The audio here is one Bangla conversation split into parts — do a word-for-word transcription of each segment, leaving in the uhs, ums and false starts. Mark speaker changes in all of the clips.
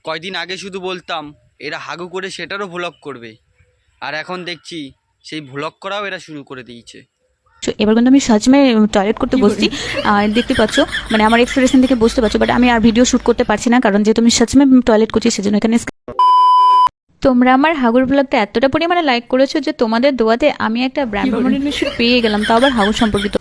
Speaker 1: কয়দিন আগে শুধু বলতাম এরা হাগু করে সেটারও ভ্লগ করবে, আর এখন দেখছি সেই ভ্লগ করাও এরা শুরু করে দিয়েছে।
Speaker 2: এবার কিন্তু আমি সচমে টয়লেট করতে বসছি, আর দেখতে পাচ্ছ মানে আমার এক্সপ্রেশন থেকে বুঝতে পারছো, বাট আমি আর ভিডিও শুট করতে পারছি না, কারণ যেহেতু আমি সচমে টয়লেট করছি সেজন্য এখানে। তোমরা আমার হাগুর ব্লগটা এতটা পরিমাণে লাইক করেছো যে তোমাদের দোয়াতে আমি একটা ব্র্যান্ড রেকগনিশন পেয়ে গেলাম, তাও আবার হাগুর সম্পর্কিত।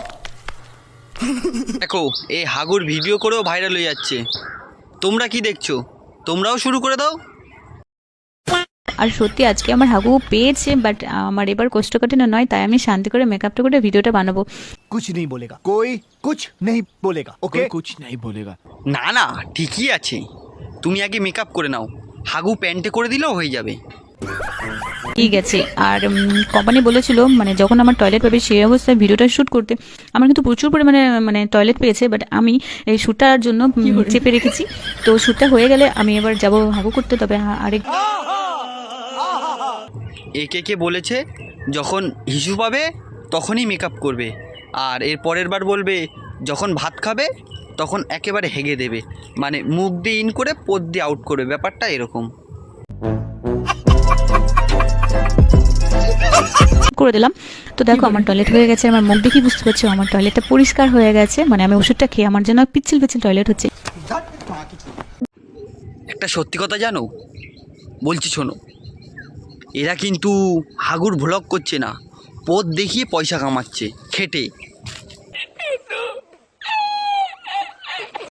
Speaker 1: দেখো এই হাগুর ভিডিও করেও ভাইরাল হয়ে যাচ্ছে, তোমরা কি দেখছো? তোমরাও শুরু করে দাও।
Speaker 2: আর সত্যি আজকে আমার হাগু পেয়েছে, বাট আমার এবার কোষ্ঠকাঠিন্য নয়, তাই আমি শান্তি করে মেকআপটা করে ভিডিওটা বানাবো।
Speaker 3: कुछ नहीं बोलेगा कोई, कुछ नहीं बोलेगा ओके,
Speaker 4: कुछ नहीं बोलेगा।
Speaker 1: না না ঠিকই আছে, তুমি আগে মেকআপ করে নাও, হাগু প্যান্টে করে দিলেও হয়ে যাবে।
Speaker 2: ঠিক আছে। আর কোম্পানি বলেছিল মানে যখন আমার টয়লেট পাবে সেই অবস্থায় ভিডিওটা শ্যুট করতে। আমার কিন্তু প্রচুর পরিমাণে মানে টয়লেট পেয়েছে, বাট আমি এই শ্যুটটার জন্য উম, চেপে রেখেছি। তো শ্যুটটা হয়ে গেলে আমি এবার যাব হাগু করতে। তবে হ্যাঁ, আরেক
Speaker 1: একে কে বলেছে যখন হিসু পাবে তখনই মেকআপ করবে, আর এর পরের বার বলবে যখন ভাত খাবে তখন একেবারে হেগে দেবে, মানে মুখ দিয়ে ইন করে পোদ দিয়ে আউট করবে, ব্যাপারটা এরকম।
Speaker 2: করে দিলাম। তো দেখো আমার টয়লেট হয়ে গেছে, আমার মুখ দেখি বুঝতে পারছো আমার টয়লেটটা পরিষ্কার হয়ে গেছে, মানে আমি ওষুধটা খেয়ে আমার জন্য পিচ্ছিল পিচ্ছিল টয়লেট হচ্ছে।
Speaker 1: একটা সত্যি কথা জানো, বলছি শোনো, এরা কিন্তু হাগুর ভ্লগ করছে না, পোদ দেখিয়ে পয়সা কামাচ্ছে খেটে।